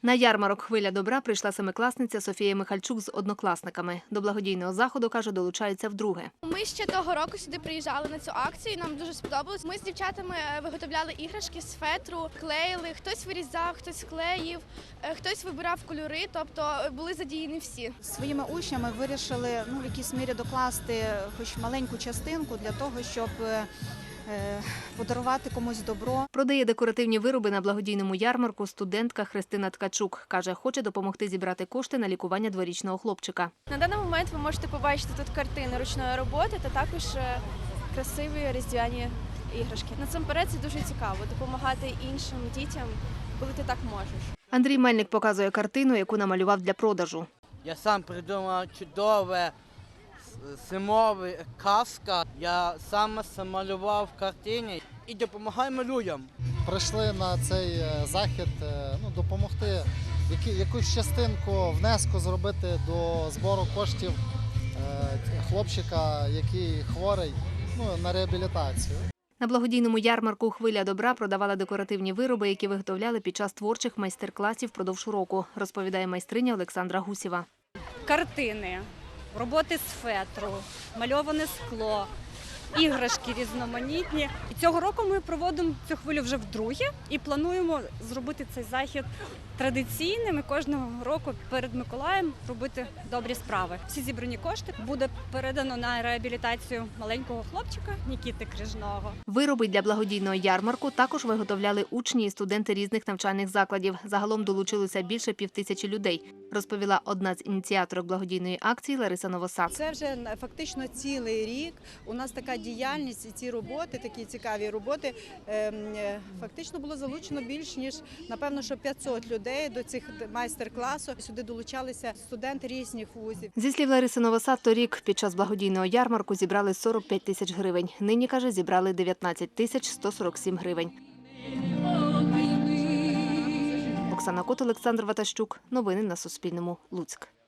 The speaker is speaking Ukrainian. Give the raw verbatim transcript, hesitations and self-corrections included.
На ярмарок «Хвиля добра» прийшла семикласниця Софія Михальчук з однокласниками. До благодійного заходу, каже, долучаються вдруге. Ми ще того року сюди приїжджали на цю акцію, і нам дуже сподобалось. Ми з дівчатами виготовляли іграшки з фетру, клеїли, хтось вирізав, хтось клеїв, хтось вибирав кольори, тобто були задіяні всі. Своїми учнями вирішили ну, в якійсь мірі докласти хоч маленьку частинку для того, щоб подарувати комусь добро. Продає декоративні вироби на благодійному ярмарку студентка Христина Ткачук. Каже, хоче допомогти зібрати кошти на лікування дворічного хлопчика. На даний момент ви можете побачити тут картини ручної роботи та також красиві різдвяні іграшки. Насамперед це дуже цікаво – допомагати іншим дітям, коли ти так можеш. Андрій Мельник показує картину, яку намалював для продажу. Я сам придумав чудове зимове казка. Я сам малював в картині і допомагаю людям. Прийшли на цей захід ну, допомогти якусь частинку внеску зробити до збору коштів хлопчика, який хворий, ну, на реабілітацію. На благодійному ярмарку «Хвиля добра» продавали декоративні вироби, які виготовляли під час творчих майстер-класів впродовж року, розповідає майстриня Олександра Гусєва. Картини, роботи з фетру, мальоване скло, іграшки різноманітні. І цього року ми проводимо цю хвилю вже вдруге і плануємо зробити цей захід традиційним і кожного року перед Миколаєм робити добрі справи. Всі зібрані кошти буде передано на реабілітацію маленького хлопчика Нікіти Крижного. Вироби для благодійного ярмарку також виготовляли учні і студенти різних навчальних закладів. Загалом долучилося більше півтисячі людей, розповіла одна з ініціаторок благодійної акції Лариса Новосад. Це вже фактично цілий рік. У нас така діяльність і ці роботи, такі цікаві роботи, фактично було залучено більш ніж, напевно, що п'ятсот людей до цих майстер-класів. Сюди долучалися студенти різних вузів. Зі слів Лариси Новосад, торік під час благодійного ярмарку зібрали сорок п'ять тисяч гривень. Нині, каже, зібрали дев'ятнадцять тисяч сто сорок сім гривень. Оксана Кот, Олександр Ватащук. Новини на Суспільному. Луцьк.